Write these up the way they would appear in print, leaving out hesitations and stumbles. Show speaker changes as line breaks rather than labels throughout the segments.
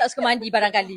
tak suka mandi barangkali.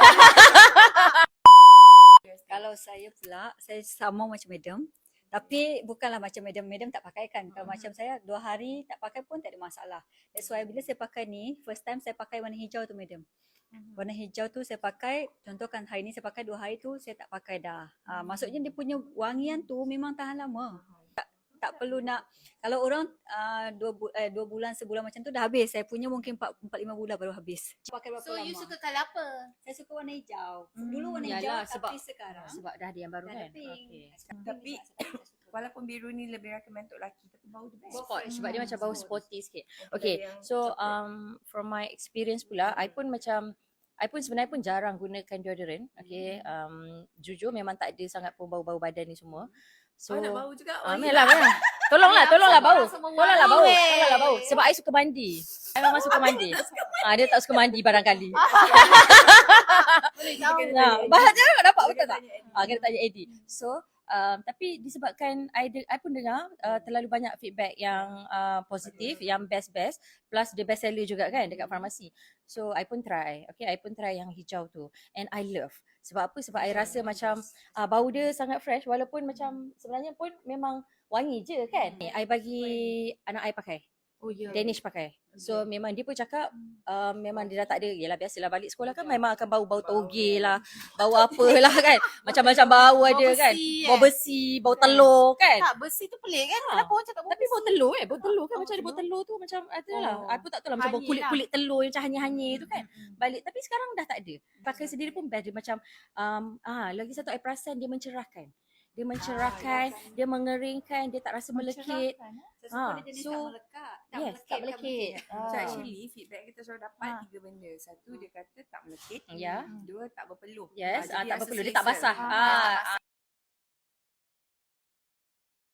Kalau saya pula, saya sama macam madam. Tapi bukanlah macam madam tak pakai kan. Kalau macam saya 2 hari tak pakai pun tak ada masalah. That's why bila saya pakai ni, first time saya pakai warna hijau tu madam. Warna hijau tu saya pakai, contohkan hari ni saya pakai 2 hari tu saya tak pakai dah. Maksudnya dia punya wangian tu memang tahan lama. Tak perlu nak, kalau orang 2 bulan, sebulan macam tu dah habis. Saya punya mungkin 4-5 bulan baru habis. Pakai berapa
So
lama?
you suka colour apa?
Saya suka warna hijau. Dulu warna hijau
Yalah,
tapi sekarang
Sebab dah ada yang baru
dah
kan.
ada pink.
Okay.
Tapi walaupun biru ni lebih recommend untuk lelaki, tapi bau dia best.
Spot sebab dia macam bau sporty sikit.
Daripada
Okay,
yang
so
coklat.
from my experience pula, I pun sebenarnya pun jarang gunakan deodorant. Okay, jujur memang tak ada sangat pun bau-bau badan ni semua. So,
nak bau juga.
Memanglah. Tolonglah bau. Tolonglah bau. Sebab I suka mandi. I memang suka mandi. Dia tak suka mandi barangkali. Bahas je dapat betul tak? Kena tanya Eddie. So, tapi disebabkan I pun dengar terlalu banyak feedback yang positif, yang best plus the best seller juga kan dekat farmasi. So I pun try. Okay, I pun try yang hijau tu and I love. Sebab apa? Sebab I rasa macam bau dia sangat fresh walaupun macam sebenarnya pun memang wangi je kan. I bagi anak I pakai.
Oh ya.
Danish pakai. So memang dia pun cakap memang dia dah tak ada. Yelah biasalah balik sekolah kan memang akan bau-bau toge lah. Bau apalah kan. Macam-macam bau ada kan. Bau besi, bau telur kan.
Tak, besi tu pelik kan? Kenapa orang cakap bau
Tapi bau telur bau telur kan macam ada bau telur tu macam ada lah. Aku tak tahu lah macam bau
Hanyir
kulit-kulit telur yang macam hanyir-hanyir tu kan. Balik tapi sekarang dah tak ada. Pakai sendiri pun best dia macam lagi satu I perasan dia mencerahkan. Dia mencerahkan, dia mengeringkan, dia tak rasa melekit.
Saya suka dia jenis
so,
tak melekat.
Tak melekit.
So actually feedback kita selalu dapat 3 benda. Satu dia kata tak melekit.
Ya.
2 tak berpeluh.
Yes,
Jadi
tak
rasa
berpeluh. Dia
selesa.
tak basah.